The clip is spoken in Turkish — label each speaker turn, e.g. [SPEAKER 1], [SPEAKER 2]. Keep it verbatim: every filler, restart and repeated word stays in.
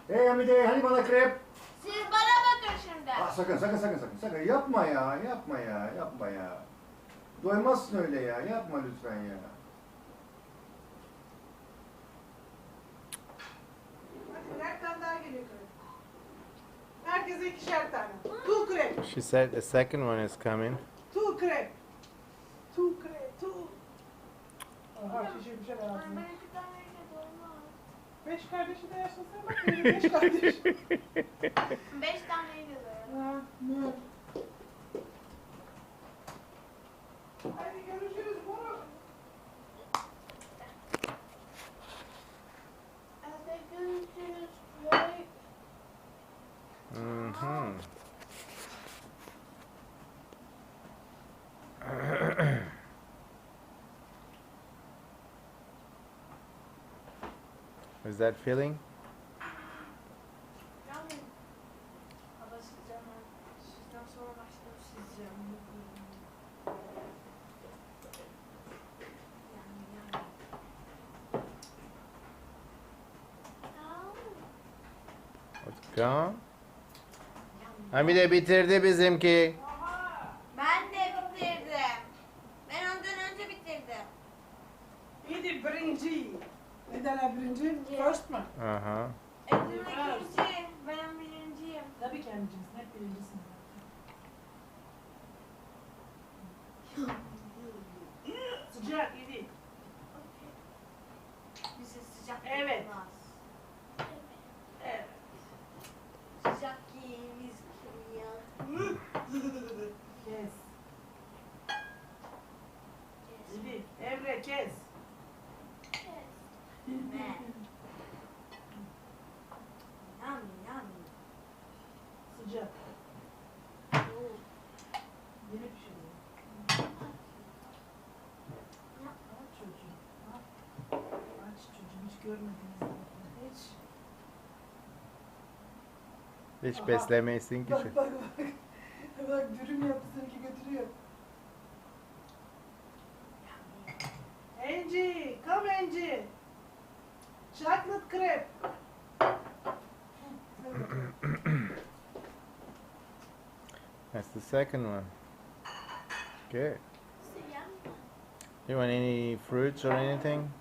[SPEAKER 1] Hey Hamide, hani bana krep?
[SPEAKER 2] Siz bana bakın şimdi.
[SPEAKER 1] Ah, sakın sakın sakın sakın sakın yapma ya, yapma ya, yapma ya. Doymazsın öyle ya, yapma lütfen ya.
[SPEAKER 3] Hadi birer tane daha geliyor krep. Herkese ikişer tane. Two krep.
[SPEAKER 4] She said the second one is coming.
[SPEAKER 3] Two krep. Two krep. Two. Aha şişirmişler ağzını.
[SPEAKER 2] Ben iki taneyle doymaz.
[SPEAKER 3] Beş kardeşi de yaşasın bak benim beş kardeş.
[SPEAKER 2] Beş taneyle doymaz.
[SPEAKER 3] Ha, ne? Hadi görüşürüz moruk.
[SPEAKER 2] Hadi görüşürüz. Vay.
[SPEAKER 4] Mm-hmm. Is that feeling?
[SPEAKER 2] Yani hava sıcak. Sizden sonra başladım sıcak. Yani yani.
[SPEAKER 4] What's gone? Hamide bitirdi bizimki.
[SPEAKER 2] Ben de bitirdim. Ben ondan önce bitirdim.
[SPEAKER 3] İyiydi birinci. Ne derler birinci? First mı?
[SPEAKER 4] Uh-huh.
[SPEAKER 2] Edim ikinci. Ben birinciyim.
[SPEAKER 3] Tabii ki birincisin. Hep birincisin. Sıcak iyiydi.
[SPEAKER 2] Bize sıcak
[SPEAKER 3] Evet.
[SPEAKER 2] olmaz.
[SPEAKER 3] Evet.
[SPEAKER 2] Sıcak giyimiz kim ya?
[SPEAKER 3] Kes. İyiydi. Emre kes.
[SPEAKER 2] Ne? Yami yami.
[SPEAKER 3] Sıcak. Yeni pişiriyor. Aç çocuğum. Aç. Aç çocuğum. Hiç görmediniz zaten. Hiç.
[SPEAKER 4] Hiç
[SPEAKER 3] Aha.
[SPEAKER 4] beslemeyesin ki.
[SPEAKER 3] Bak bak bak. Bak dürüm yaptı seninki götürüyor. Angie, come Angie. Chocolate crepe.
[SPEAKER 4] That's the second one. Good.
[SPEAKER 2] Sıcak mı?
[SPEAKER 4] You want any fruits or anything?